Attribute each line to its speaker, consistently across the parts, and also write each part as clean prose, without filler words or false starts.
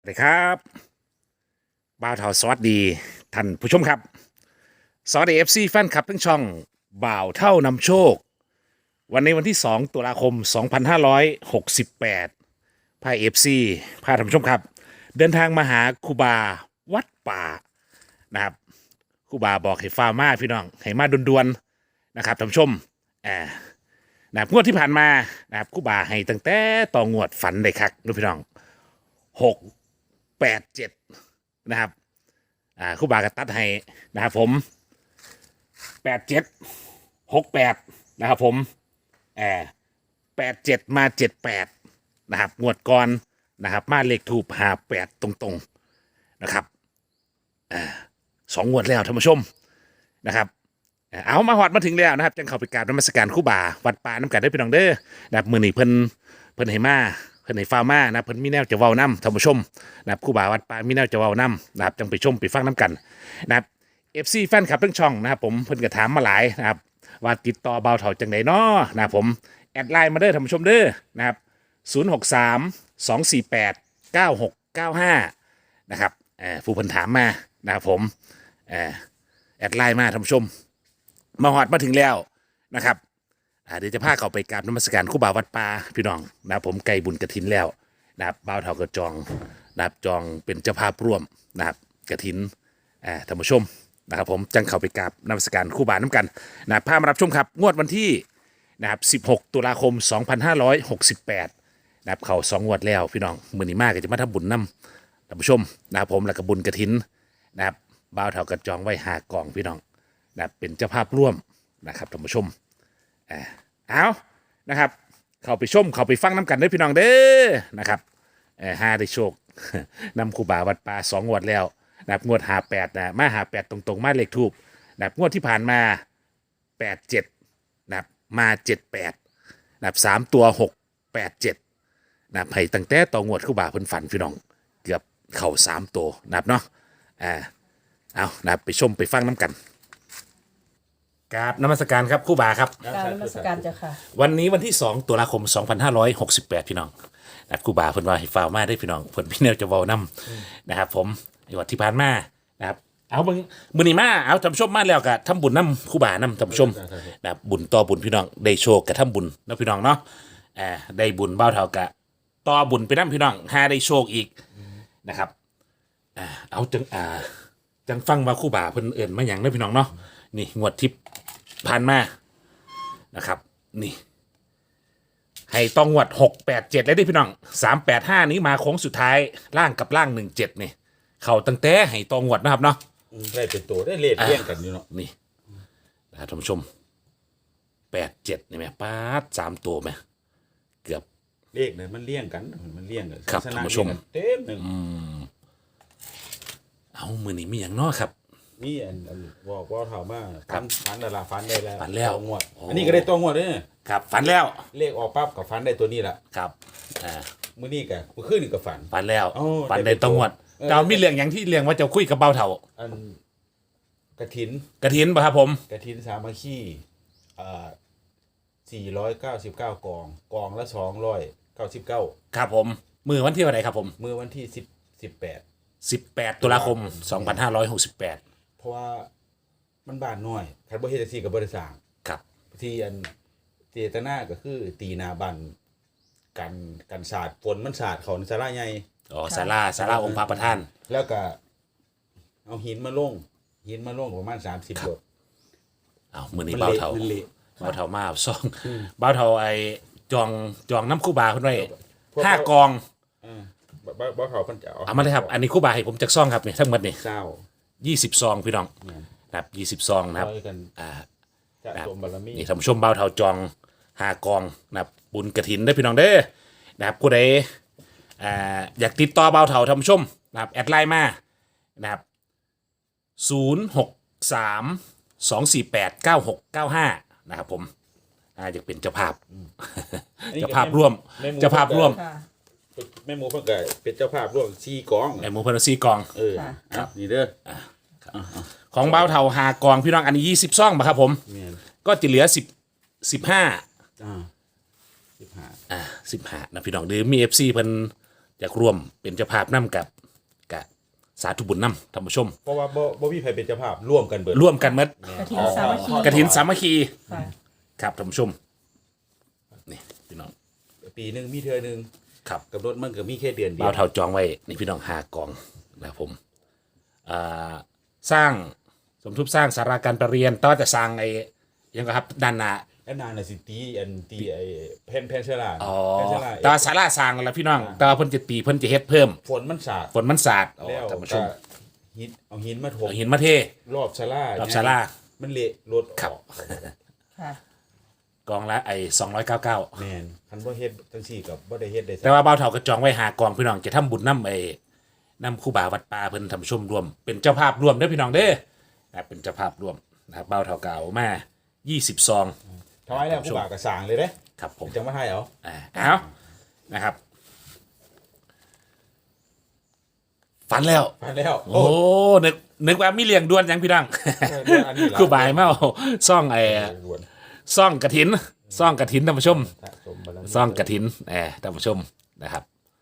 Speaker 1: สวัสดีครับบ่าวเทาสวัสดีท่านผู้ชมครับสวัสดีFC แฟนคลับทั้งช่องบ่าวเท่านำโชควันนี้วันที่2ตุลาคม2568พา FC พาท่านผู้ชมครับเดินทางมาหาครูบาวัดป่านะครับครูบาบอกให้ฟ้ามาพี่น้องให้มาด่วนๆนะครับท่านผู้ชมนะครับงวดที่ผ่านมานะครับครูบาให้ตั้งแต่ต่องวดฝันได้คักนะพี่น้อง687นะครับครู่บากระตัดให้นะครับผม8768นะครับผม87มา78นะครับงวดก่อนนะครับมาเลขทูป58ตรงๆนะครับสองงวดแล้วท่านผู้ชมนะครับเอามาหอดมาถึงแล้วนะครับจังเข้าไปกราบนมัสการครู่บาวัดป่าน้ำกันได้พี่น้องเด้อนะครับมื้อนี้เพิ่นให้มาเพิ่นให้ฟ้ามานะเพิ่นมีแนวจะเว้านํท่านผู้ชมนะครับครู่บาวัดป่ามีแนวจะเว้านํนะครับจังไปชมไปฟังน้ำกันนะครับ FC แฟนคลับทั้งช่องนะครับผมเพิ่นก็ถามมาหลายนะครับว่าติดต่อเบาเถาจังไดน้อนะครับผมแอดไลน์มาเด้อท่านผู้ชมเด้อนะครับ063 248 9695นะครับผู้เพิ่นถามมานะครับผมแอดไลน์มาท่านผู้ชมมาหอดมาถึงแล้วนะครับเดี๋ยวจะพาเขาไปกราบนมัสการครูบาวัดป่าพี่น้องนะครับผมไก่บุญกระถินแล้วนะครับบ่าวเถากระจองนะครับจองเป็นเจ้าภาพร่วมนะครับกระถินท่านผู้ชมนะครับผมจังเข้าไปกราบนมัสการครูบาน้ำกันนะพามารับชมครับงวดวันที่นะครับ16ตุลาคม2568นะครับเขา2งวดแล้วพี่น้องมื้อนี้มากก็จะมาทำบุญนำท่านผู้ชมนะครับผมแล้วก็บุญกระถินนะครับบ่าวเถากระจองไว้5กองพี่น้องนะครับเป็นเจ้าภาพร่วมนะครับท่านผู้ชมเอานะครับเข้าไปชมเข้าไปฟังน้ำกันเด้อพี่น้องเด้อนะครับหาได้โชคนำครูบาวัดป่า2งวดแล้วนะครับงวด58นะมา58ตรงๆมาเลขทูบนะครับงวดที่ผ่านมา87นะครับมา78นะครับ3ตัว687นะครับให้ตั้งแต่ต่องวดครูบาเพิ่นฝันพี่น้องเกือบเข้า3ตัวนะครับเนาะเอานะครับไปชมไปฟังน้ำกันกราบนมัสการครับครู่บาครับ
Speaker 2: กรารนมัสการเจ้าค่ะ
Speaker 1: วันนี้วันที่2ตุลาคม2568พี่น้องนะครับครู่บาเพิ่นว่าให้ฟ้าวมาได้พี่น้องเพิ่นพี่แนวจะเว้านำนะครับผมในวันที่ผ่านมานะครับเอามื้อนี้มาเอาท่านผู้ชมมาแล้วก็ทำบุญนำครู่บานำท่านผู้ชมนะครับบุญต่อบุญพี่น้องได้โชคกับทำบุญนะพี่น้องเนาะได้บุญเบ้าเท่ากับต่อบุญไปนำพี่น้องหาได้โชคอีกนะครับเอาจังฟังว่าครู่บาเพิ่นเอิ้นมาหยังเด้อพี่น้องเนาะนี่งวดทิพย์ผ่านมานะครับนี่ให้ต้องงวด687เลยได้พี่น้อง385นี้มาโค้งสุดท้ายล่างกับล่าง17นี่เข้าตั้งแต่ให้ต้องงวดนะครับเนาะ
Speaker 3: ได้เป็นตัวได้เลขเลี้ยงกันอยู่เนาะ
Speaker 1: นี่ท่านผู้ชม87นี่แม่ป๊าด3ตัวแม่เกือบ
Speaker 3: เลขเนี่ยมันเลี้ยงกันมันเลี้ยงกัน
Speaker 1: ครับท่านผู้ชม
Speaker 3: เต็มหนึ่ง
Speaker 1: เอามือนี้มีอย่างน้อครับ
Speaker 3: มีอันบอกว่าเท่ามาฝันดาราฝันได้แล้ว
Speaker 1: ฝันแล้ว
Speaker 3: งวดอันนี้ก็ได้ตัวงวดด้วย
Speaker 1: ครับฝันแล้ว
Speaker 3: เลขออกปั๊บกับฝันได้ตัวนี้แหละ
Speaker 1: ครับ
Speaker 3: มื้อนี้กับมื้อคืนนี่ก็ฝัน
Speaker 1: แล้วฝันได้ตัวงวดเรามีเรื่องอย่างที่เรื่องว่าจะคุยกับเบาเท่า
Speaker 3: อันกฐิน
Speaker 1: ป่ะครับผม
Speaker 3: กฐินสามัคคี499กองละ299
Speaker 1: ครับผมมือวันที่เท่าไหร่ครับผม
Speaker 3: มื้อวันที่
Speaker 1: 18ตุลาคม2568
Speaker 3: เพราะว่ามันบานน้อยคันบ่เฮ็ดจังซี่ก็บ่ได้สร้าง
Speaker 1: ครับ
Speaker 3: ที่อันเจตนาก็คือตีหน้าบ้านกันสาดฝนมันสาดเข้าในศาลาใหญ่
Speaker 1: ศาลาองค์พระประธาน
Speaker 3: แล้วก็เอาหินมาลงประมาณ30โล
Speaker 1: เอามื้อนี้เบาเท่ามาเอาซ่องเบาเท่าไอ้จองน้ำคู่บาเพิ่นไว้5กอง
Speaker 3: บ่เขาเพิ่นจะ
Speaker 1: เอามาเลยครับอันนี้คู่บาให้ผมจักซ่องครับนี่ทั้งหมดนี่20ซองพี่น้องนะครับ20ซองนะครับ
Speaker 3: จะสมบารมี
Speaker 1: นี่ท่านผู้ชมเบาเท่าจอง5กองนะครับบุญกฐินได้พี่น้องเด้อนะครับผู้ใดอยากติดต่อเบาเท่าท่านผู้ชมนะครับแอดไลน์มานะครับ063 248 9695นะครับผมอยากเป็นเจ้าภาพร่วม
Speaker 3: แม่หมูเพิ่นก็เป็นเจ้าภาพร่วม4กอง
Speaker 1: แม่หมูเพิ่น4กอง
Speaker 3: ครับนี่เด้อ
Speaker 1: ของเบาเท่า5กองพี่น้องอันนี้20ซองป่ะครับผมก็จะเหลือ15นะพี่น้องหรือมี FC เพิ่นอยากร่วมเป็นเจ้าภาพนำกับสาธุบุญนำท่านผู้ชม
Speaker 3: เพราะว่าบ่มีใครเป็นเจ้าภาพร่วมกันเบิด
Speaker 1: ร่วมกันหมด
Speaker 2: กฐินสามัคคี
Speaker 1: กฐินสามัคคี
Speaker 2: ค่ะ
Speaker 1: ครับท่านผู้ชมนี่พี่น้อง
Speaker 3: ปีหนึงมีเทื่อหนึง
Speaker 1: ครับ
Speaker 3: กำหนดมันก็มีแค่เดือนเดีย
Speaker 1: บ่าว วเท่าจองไว้นี่พี่น้อง5กองนะครับผมสร้างสมทบสร้างสาราการประเรียนต่อจะสร้างไอ้ยังไงครับด้านหน้า
Speaker 3: แล้วนานน่ะสิตีไอ้แผ่นเชื้อรา
Speaker 1: อ๋อ
Speaker 3: แผ่นเชื้อรา
Speaker 1: แต่ว่าศาลาสร้างแล้วล่ะพี่น้องแต่ว่าเพิ่นจะตีเพิ่นจะเฮ็ดเพิ่ม
Speaker 3: ฝนมันสาด
Speaker 1: ฝนมันสาดอ๋อ
Speaker 3: แล้ว
Speaker 1: ท่านผู้ช
Speaker 3: ก็
Speaker 1: ม
Speaker 3: เอาหินมาถม
Speaker 1: เอาหินมาเท
Speaker 3: รอบศาลาร
Speaker 1: อบศาลา
Speaker 3: มันเละรถออก
Speaker 1: ครับ
Speaker 2: ค่ะ
Speaker 1: กองละไอ้299
Speaker 3: แม่นคันบ่เฮ็ดจังซี่ก็บ่ได้เฮ็ดได้
Speaker 1: แต่ว่าบ่าวเฒ่าก็จองไว้5กองพี่น้องจะทำบุญนำไอ้นำครูบาวัดป่าเพิ่นท่านผู้ชมร่วมเป็นเจ้าภาพร่วมเด้อพี่น้องเด้อนะครับเป็นเจ้าภาพร่วมนะครับบ่าวเฒ่าก็เอามา20ซอง
Speaker 3: ถวายแล้วผู้บ่าวก็สร้างเลยเด้
Speaker 1: ครับผม
Speaker 3: จังมาไทยเอา
Speaker 1: เอานะครับ ฝันแล้ว
Speaker 3: ไปแล้ว
Speaker 1: โอ้นึกว่ามีเลี้ยงด่วนยังพี่ดัง
Speaker 3: เรื่องอันนี้ล่ะ
Speaker 1: กูบายเมาซ่องไอ้
Speaker 3: ด่วน
Speaker 1: ซ่องกระถินซ่องกระถินท่านผู้ชม
Speaker 3: สะสมบารมี
Speaker 1: ซ่องกระถินท่านผู้ชมนะครับ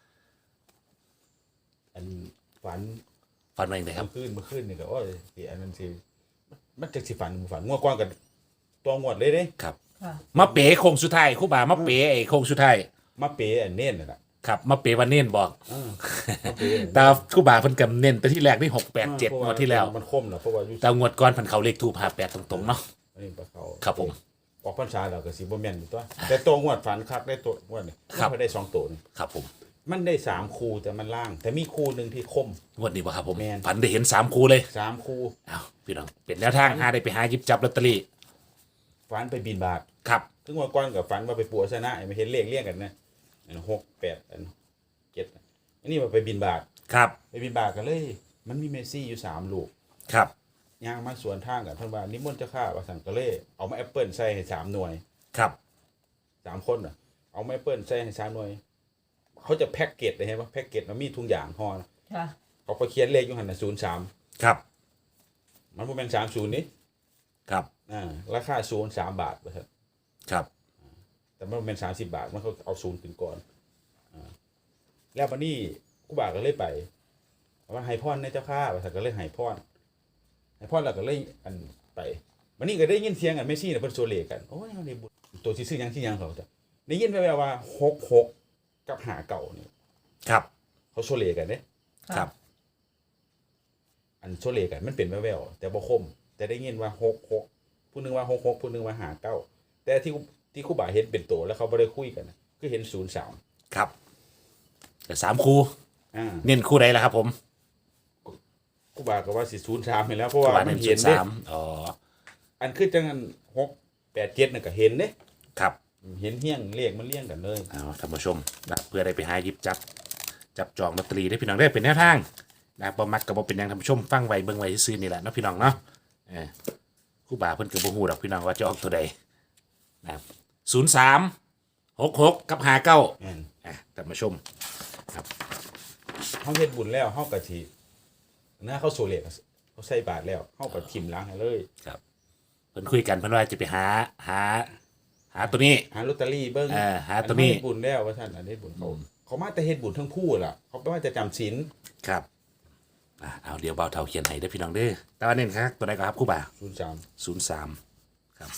Speaker 3: อันฝัน
Speaker 1: ฝันมาอย่างไรครับ
Speaker 3: เมื่อคืนนี่ก็โอ้ยสิอันนั้นสิมันจักสิฝันฝันงวดก่อนกันตัวงวดเลยเด้
Speaker 1: ครับ
Speaker 2: ค่ะ
Speaker 1: มาเป๋โค้งสุดท้ายครู่บามาเป๋ไอ้โค้งสุดท้าย
Speaker 3: มาเปย์อันเน้นน่ะล่ะ
Speaker 1: ครับมาเป๋วันเน้นบอก
Speaker 3: มาเปย์
Speaker 1: แต่ครู่บาเพิ่นกำเน้นแต่ที่แรกนี่687งวดที่แล้ว
Speaker 3: มันคมล่ะเพราะว่าอยู่
Speaker 1: แต่งวดก่อนเพันเขาเลขทูป58ตรงๆเนาะ
Speaker 3: อันนี้ปลาเขา
Speaker 1: ครับผม
Speaker 3: ออกพรรษาแล้วก็สิบ่แม่นอยู่ตัวแต่ตัวงวดฝันคักได้ตัวงวดนี่
Speaker 1: ครับ
Speaker 3: มันได้2ตัวนี่
Speaker 1: ครับผม
Speaker 3: มันได้3คู่แต่มันล่าง แต่มีคู่หนึงที่คม
Speaker 1: งวดนี้บ่ครับผม
Speaker 3: แม่น
Speaker 1: ฝันได้เห็น3คู่เลย
Speaker 3: 3คู่
Speaker 1: อ้าวพี่น้องเป็นแนวทางหาได้ไปหาหยิบจับลอตเตอรี่
Speaker 3: ฝันไปบินบาท
Speaker 1: ครับ
Speaker 3: ถึงว่าก่อนกับฝันว่าไปปัวชนะไม่เห็นเลขเรียงกันนะอัน6 8อัน7อันนี้ว่าไปบินบาท
Speaker 1: ครับ
Speaker 3: ไปบินบาทกันเลย มันมีเมสซี่อยู่3ลูก
Speaker 1: ครับ
Speaker 3: ย่างมาสวนทางกันเพิ่นว่านิมนต์เจ้าข้าว่าสั่นก็เลยเอามาแอปเปิลใส่ให้3หน่วย
Speaker 1: ครับ
Speaker 3: 3คนน่ะเอามาแอปเปิลใส่ให้3หน่วย เขาจะแพ็กเกจเลยเห็นป่ะแพ็กเกจมันมีทุกอย่างห่อนะ
Speaker 2: ค่ะ
Speaker 3: เขาไปเขียนเลขอยู่หั่นน่ะ03
Speaker 1: ครับ
Speaker 3: มันบ่แม่น30นี่
Speaker 1: ครับ
Speaker 3: ราคา03บาทว่าซั่น
Speaker 1: ครับ
Speaker 3: แต่มันบ่แม่น30บาทมันเขาเอา0ขึ้นก่อนแล้วบัดนี้กูบาก็เลยไปว่าให้พรในเจ้าข้าว่าซั่นก็เลยให้พรแล้วก็เลยอันไปวันนี้ก็ได้ยินเสียงอันเมสซี่น่ะเพิ่นโซเลกันโอ้ยเอาได้บุญตัวสิซื้อหยังสิหยังเขาจ้ะได้ยินแว่วๆว่า66กับ5เก่านี่
Speaker 1: ครับ
Speaker 3: เขาโซเลกันเด้
Speaker 1: ครับ
Speaker 3: อันโซเลกันมันเป็นแว่วๆแต่บ่คม แต่ได้ยินว่า66ผู้หนึงว่า66ผู้หนึงว่า59แต่ที่ครูบาเห็นเป็นตัวแล้วเขาบ่ได้คุยกันน่ะคือเห็น03
Speaker 1: ครับแต่3คู่
Speaker 3: อ่า
Speaker 1: เน้นคู่ใดล่ะครับผม
Speaker 3: ครูบาก็ว่าสิ03นี่แหล้วเพราะ
Speaker 1: ครู
Speaker 3: ว่า
Speaker 1: บา
Speaker 3: มั
Speaker 1: เน้
Speaker 3: น
Speaker 1: น
Speaker 3: เห็นเด้
Speaker 1: 03อ๋อ
Speaker 3: อันคือจังนั้น6 8 7น่ะก็เห็นเด้
Speaker 1: ครับ
Speaker 3: เห็นเฮี้ยงเลขมันเลี้ยงกันเลย
Speaker 1: เอาท่านผู้ชมนะเพื่อได้ไปหาหยิบจับจองลอตเตอรี่ได้พี่น้องได้เป็นแนวทางนะบ่มักก็บ่เป็นหยังท่านผู้ชมฟังไว้เบิ่งไว้ซื่อๆนี่แหละเนาะพี่น้องเนาะครูบาเพิ่นก็บ่ฮู้ดอกพี่น้องว่าจะออกตัวใดนะครับ03 66กับ59
Speaker 3: แม่น
Speaker 1: ท่านผู้ชม
Speaker 3: เฮาเฮ็ดบุญแล้วเฮาก็สินะเขาโซเลกเขาใส่บาตรแล้วเฮาก็ทิ่มล้างให้เลย
Speaker 1: ครับเพิ่นคุยกันเพิ่นว่าจะไปหาตัวนี้
Speaker 3: หาลอตเตอรี่เบิ่ง
Speaker 1: หาตัวนี้
Speaker 3: อัเฮ็ดบุญแล้วว่าซั่นอันนี้บุญเขามาแต่เฮ็ดบุญทั้งคู่ล่ะเขาบ่ว่าจะจำศีล
Speaker 1: ครับเอาเดี๋ยวเบาเท่าเขียนให้เด้อพี่น้องเด้อแต่ว่าเน้นครับตัวใดก็ครับครูบา
Speaker 3: 03
Speaker 1: 03ครับ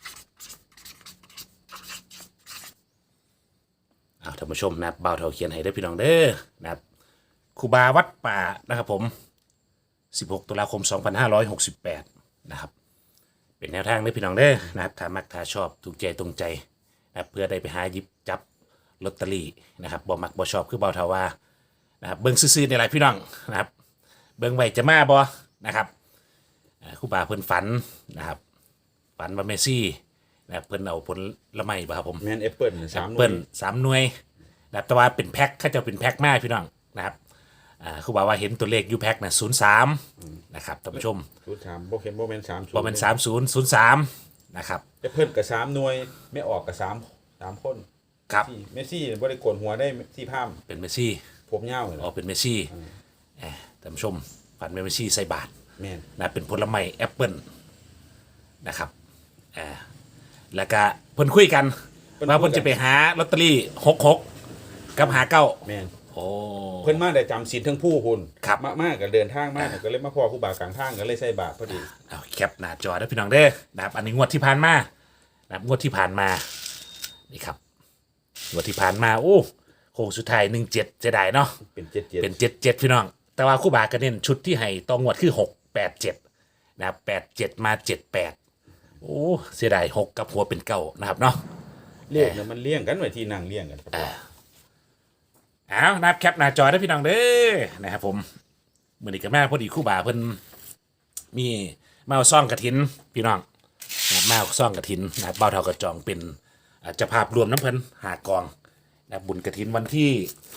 Speaker 1: เอาท่านผู้ชมนะครับเบาเท่าเขียนให้เด้อพี่น้องเด้อนะครับครูบาวัดป่านะครับผม16ตุลาคม2568นะครับเป็นแนวทางเด้อพี่น้องเด้อนะครับถ้ามักถ้าชอบถูกใจตรงใจนะครับเพื่อได้ไปหาหยิบจับลอตเตอรี่นะครับบ่มักบ่ชอบคือเบาเท่าว่านะครับเบิ่งซื่อๆในหลายพี่น้องนะครับเบิ่งไว้จะมาบ่นะครับครูบาเพิ่นฝันนะครับฝันว่าเมสซี่นะครับเพิ่นเอาผลไม้บ่ครับผม
Speaker 3: แม่นแอปเปิ้ล3หน่ว
Speaker 1: เปิ้
Speaker 3: ย
Speaker 1: ล3หน่วยนะครับแต่ว่าเป็นแพ็คเขาจะเป็นแพ็คมาพี่น้องนะครับครูบาว่าเห็นตัวเลขอยู่แพ็คน่ะ03นะครับท่านผู้ชม
Speaker 3: 03บ่เห็นบ่แม่น30
Speaker 1: บ่แม่น3003นะครับ
Speaker 3: แอปเปิ้ลก็3หน่วยไม่ออกก็3คน
Speaker 1: ครับ
Speaker 3: ที่เมสซี่บ่ได้โกนหัวได้ที่พาม
Speaker 1: เป็นเมสซี่
Speaker 3: ผมยาวเลย
Speaker 1: ออกเป็นเมสซี่ท่านผู้ชมฝันเป็นเมสซี่ใส่บาท
Speaker 3: แม่น
Speaker 1: นะเป็นผลไม้แอปเปิ้ลนะครับแล้วก็เพิ่นคุยกันว่าเพิ่นจะไปหาลอตเตอรี่66กับ59
Speaker 3: แม่น
Speaker 1: โอ้
Speaker 3: เพิ่นมาได้จำศีลทั้งผู้คุณ
Speaker 1: ครับ
Speaker 3: มากก็เดินทางมากก็เลยมาพ่อครูบากลางทางก็เลยใส่บาตรพอดี
Speaker 1: เอาแคปหน้าจอได้อพี่น้องเด้อนะครับอันนี้งวดที่ผ่านมานะครับงวดที่ผ่านมานี่ครับงวดที่ผ่านมาโอ้โค้งสุดท้าย17เสียดายเนาะ
Speaker 3: เป็นเจ็ดเจ็ด
Speaker 1: เป็น77พี่น้อง แต่ว่าครู่บาก็เน้นชุดที่ให้ตองงวดคือ687นะครับ87มา78โอ้เสียดาย6กับหัวเป็น9นะครับเนาะ
Speaker 3: เรียกเนี่ยมันเลี้ยงกันไว้ที่นั่งเลี้ยงกันครับ
Speaker 1: เอานะครับแคปหน้าจอได้อพี่น้องเด้อนะครับผมมื้อนี้ก็มาพอดีครู่บาเพิ่นมีมาเอาซ่องกฐินพี่น้องนะครับมาเอาซ่องกฐินนะครับเบ้าเท่ากระจองเป็นเจ้าภาพรวมน้ำเพิ่น5 กองนะครับบุญกฐินวันที่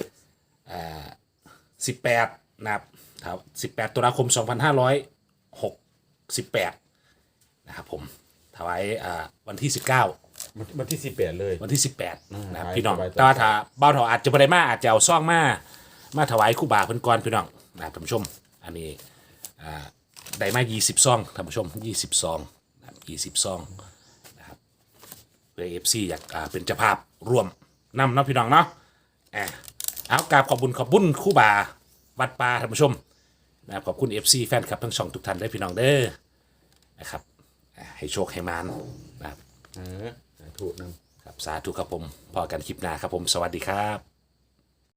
Speaker 1: 18นะครับ18ตุลาคม2568นะครับผมถวายวันที่19
Speaker 3: วันที่18เลย
Speaker 1: วันที่18นะครับ
Speaker 3: ให้
Speaker 1: พี่น้อง
Speaker 3: สบายใจ
Speaker 1: แต่ว่าถ้าเบ้าเถาอาจจะบ่ได้มาอาจจะเอาซ่องมาถวายครู่บาเพิ่นก่อนพี่น้องนะครับท่านผู้ชมอันนี้ได้มา20ซองท่านผู้ชม20ซองนะครับ20ซองนะครับเพื่อ FC อยากเป็นเจ้าภาพร่วมนำเนาะพี่น้องเนาะเอากราบขอบคุณครู่บาวัดป่าท่านผู้ชมนะครับขอบคุณ FC แฟนคลับทั้งช่องทุกท่านได้อพี่น้องเด้อนะครับให้โชคให้มานนะครับ
Speaker 3: สาธุนำ
Speaker 1: ครับสาธุครับผมพอกันคลิปหน้าครับผมสวัสดีครับ